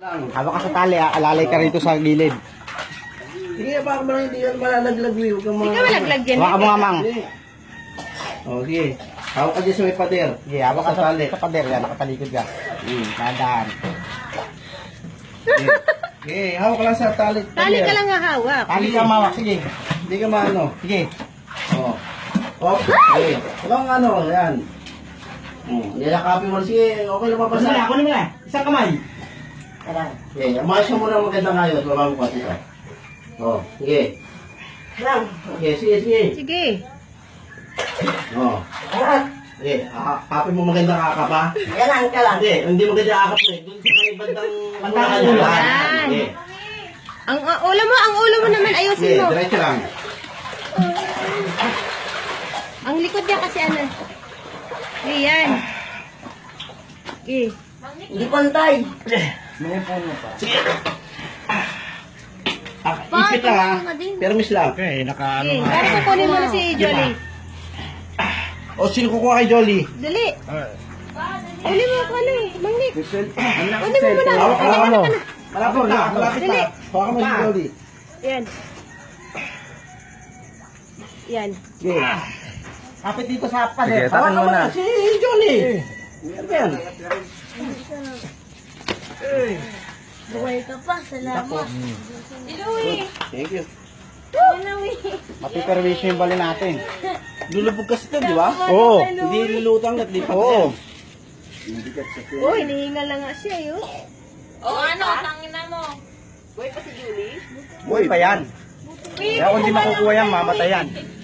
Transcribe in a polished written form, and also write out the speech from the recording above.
Hawak ka sa tali, alalay ka rito sa gilid. Sige, baka mo hindi yan malalaglag. Huwag kang mga... Ikaw malaglag dyan. Hawak ka mo nga, mang. O, sige. Hawak ka dyan sa may pader. Sige, hawak ka sa pader yan, nakatalikod ka. Dahan. Sige, hawak ka lang sa tali. Tali ka lang hahawak. Tali ka mawak, sige. Hindi ka maano. Sige. O. O, sige. Walang ano, yan. Nilakapin mo. Sige, okay na mapasa. Kunin mo na. Isang kamay. Okay, umayos ka muna magandang ayos. Baba mo pati ka. O, sige. Okay, sige. Sige. O. Sige, kapin mo magandang akap ha. Yan ka lang. Hindi magandang akap eh. Doon sa may bandang ulo. Yan. Sige. Ang ulo mo naman ayusin Sige, mo. diretso lang. Ang likod niya kasi ano. Ayan. Okay. Hindi pantay. May puno pa. Sige. Ipit lang ha. Permis lang. Okay, nakaano Okay. nga. Para kukunin mo na si Jolly. O, sino kukuha kay Jolly? Dali. Uli mo ako ano eh. Mangnik. Uli mo muna. Hawak ka lang ano. Malapit na. Dali. Hawakan mo si Jolly. Yan. Yan. Sige. Kapit dito sa pader. Hawakan mo na. Si Jolly. Ano yan? Buhay ka pa, salamat. Iluwi! Thank you. Iluwi! Mapiperwisyo yung bali natin. Lulubog kasi ito, di ba? Oo. Hindi lulutang at lipat Oo. yan. Uy, hinihinga lang nga siya yun. O ano, tangina mo. Buhay pa yan. Kaya kung di makukuha yan, mamatay yan.